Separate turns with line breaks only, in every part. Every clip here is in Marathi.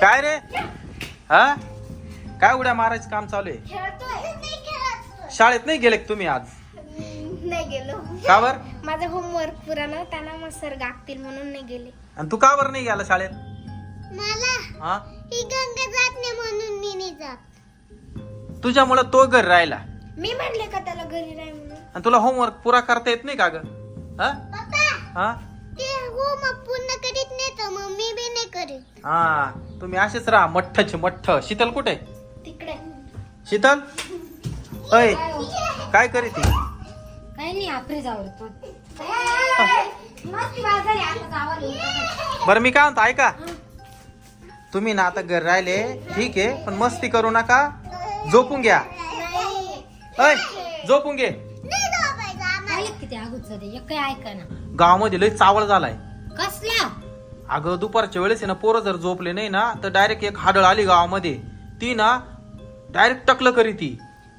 काय रे? हा काय उड्या मारायचं काम चालू आहे? शाळेत नाही गेले का तुम्ही आज?
नाही गेलो.
का बर?
माझा होमवर्क पुरा नव्हता ना, मग सर गागतील म्हणून नाही गेले.
आणि तू का बर नाही गेला शाळेत?
मला
हा
ही गंगा जात नाही म्हणून मी नाही जात.
तुझ्यामुळे तो घरी राहिला
मी म्हणले का त्याला घरी राह म्हणून.
आणि तुला होमवर्क पुरा करता येत नाही का ग? हा
पप्पा
हा
ते होमवर्क पूर्ण करीत नाही तर मग मी बी नाही करीत.
हा तुम्ही असेच राहा मठ्ठचे मठ्ठ. शीतल कुठे?
तिकडे
शीतल अय काय करीत ती?
काही नाही आपरे जावरतो मस्त बाजार आहे आता जावं.
बरं मी काय म्हणतो ऐका, तुम्ही ना आता घर राहिले ठीक आहे, पण मस्ती करू नका. झोपून घ्या. अय झोपून घे.
पाहिलं किती अगोदर ते एक काही ऐका ना.
गावामध्ये लय चावळ झालाय.
कसला?
अगं दुपारच्या वेळेस आहे ना, पोरं जर झोपले नाही ना तर डायरेक्ट एक हाडळ आली गावामध्ये. ती ना डायरेक्ट टकलं करी ती.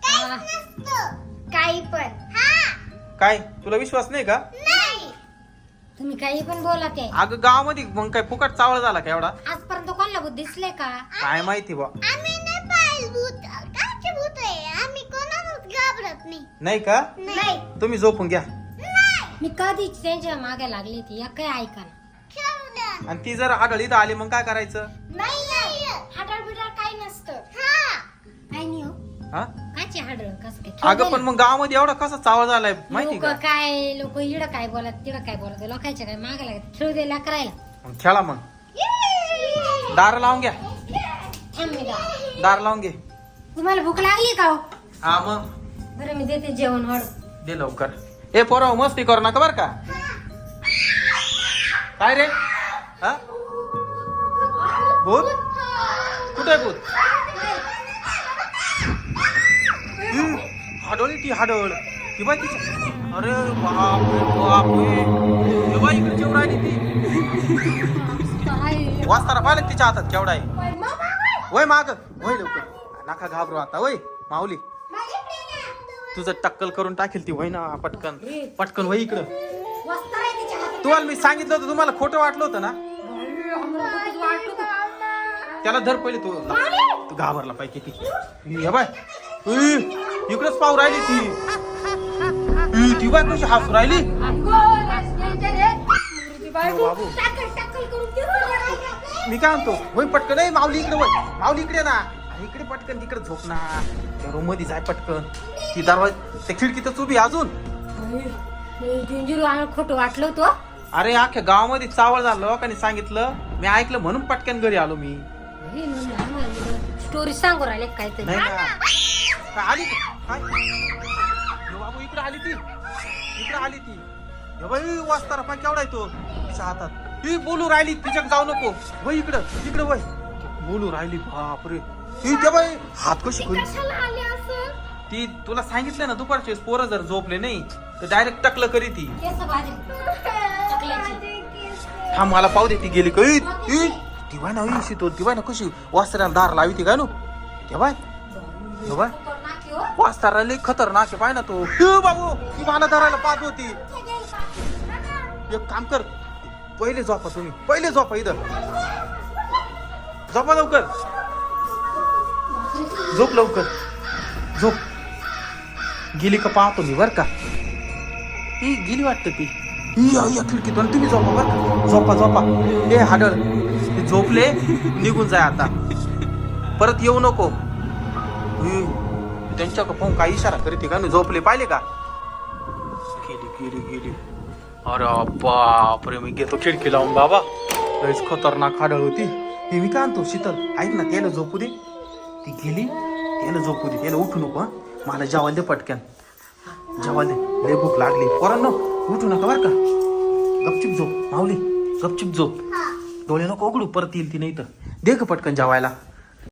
काही पण
काय तुला विश्वास नाही का?
तुम्ही काही पण बोला ते.
अगं गावामध्ये मग काय फुकट चावळ झाला का एवढा?
आजपर्यंत कोणाला भूत दिसले का?
काय माहिती बा.
आम्ही नाही पाहिलं भूत. काचे भूत आहे? आम्ही कोणालाच घाबरत नाही.
नाही का?
नाही.
तुम्ही झोपून घ्या.
मी कधीच त्यांच्या मागे लागली ती एक काही ऐका ना.
आणि ती जर हाडळ इथं आली मग काय करायचं?
नाही
हाडळ बिडळ काही नसतं. काही नाही हो.
हा
काची हाडळ कस काय?
अगं पण मग गावामध्ये एवढा कसा चावळ झालाय माहिती
लोक
का?
काय लोक इडं काय बोलत तिडं काय बोलत लोकांच्या काय मागे लागत खेळू द्यायला करायला.
मग खेळा मग. दार लावून घ्या.
थांब मी जा.
दार लावून घे.
तुम्हाला भूक लागली का हो?
हा मग
बरं मी देते जेवण वाढ.
दे लवकर. ए पोराव मस्ती करू नका बर का? काय रे? हा भूत कुठे भूत? हाडोळी ती हाडळ ती बाई तिची. अरे बापरे बापरे हे बाई इकडे जेवढा आली ती. वाचताना पाहिलं तिच्या हातात केवढा आहे. वय माग वय लवकर. नका घाबरू आता. वय माऊली तुझं टक्कल करून टाकेल ती. वय ना पटकन पटकन वय इकडं. तुम्हाला मी सांगितलं होतं, तुम्हाला खोटं वाटलं होतं ना? त्याला धर पहिले. तू घाबरला पाहिजे ती. हे बाय इकडेच पाहू राहिली ती. ती बाय कशी हसू राहिली. बाबू मी काय म्हणतो वय पटकन. नाही माऊली इकडे वय. माऊली इकडे ना. इकडे पटकन तिकडे झोप ना. त्या रूम मध्ये जाय पटकन. ती दरवाजा त्या खिडकीतच उभी अजून.
खोटं वाटलं होतं.
अरे अख्ख्या गावामध्ये चावळ झालं. लोकांनी सांगितलं, मी ऐकलं म्हणून पटकन घरी आलो मी.
स्टोरी सांगू राहिले काहीतरी.
नाही का? काय आली ती? काय यो बाबू इकडे आली ती. इकडे आली ती. हे बाई वाचताना पाय केवढा आहे तो तिच्या हातात. ती बोलू राहिली तिच्याक जाऊ नको. वय इकडं इकडे वय. बोलू राहिली. बापरे ती त्या बाई हात कशी करी. ती तुला सांगितलं ना दुपारचे पोरं जर झोपले नाही तर डायरेक्ट टकलं करी ती. हा मला पाहू दे. ती गेली काही ती बाय ना शितो. ती बाय ना कशी वास्त्राला दार लावी ती काय नो. ते बाय हे बाय वास्तारा लई खतरनाक आहे. पाय ना तो. बाबू ती मला धरायला पाहत होती. एक काम कर पहिले झोपा तुम्ही. पहिले झोपा इथं. झोपा लवकर. झोप लवकर. झोप. गेली का पाहतो मी बर का. ही गेली वाटत ती. या खिडकीतून तुम्ही झोपा बर का. झोपा झोपा. हे हाडळ ते झोपले निघून जाय आता. परत येऊ नको. त्यांच्या पाहून काय इशारा करते का. मी झोपले पाहिले का. गेली गेली गेली. अरे बापरे मी घेतो खिडकी लावून बाबा. लयच खतरनाक हाडळ होती. हे मी काय आणतो शीतल ऐक ना. त्याला झोपू दे. ती गेली त्याला झोपू दे. त्याला उठू नको. मला जेवायला दे पटकन. जेवायला दे. लय भूक लागली. पोरांनो उठू नका बर का. गपचिप झोप. माऊली गपचिप झोप. डोळे नको उघडू. परत येईल ती नाही तर. दे का पटकन जेवायला.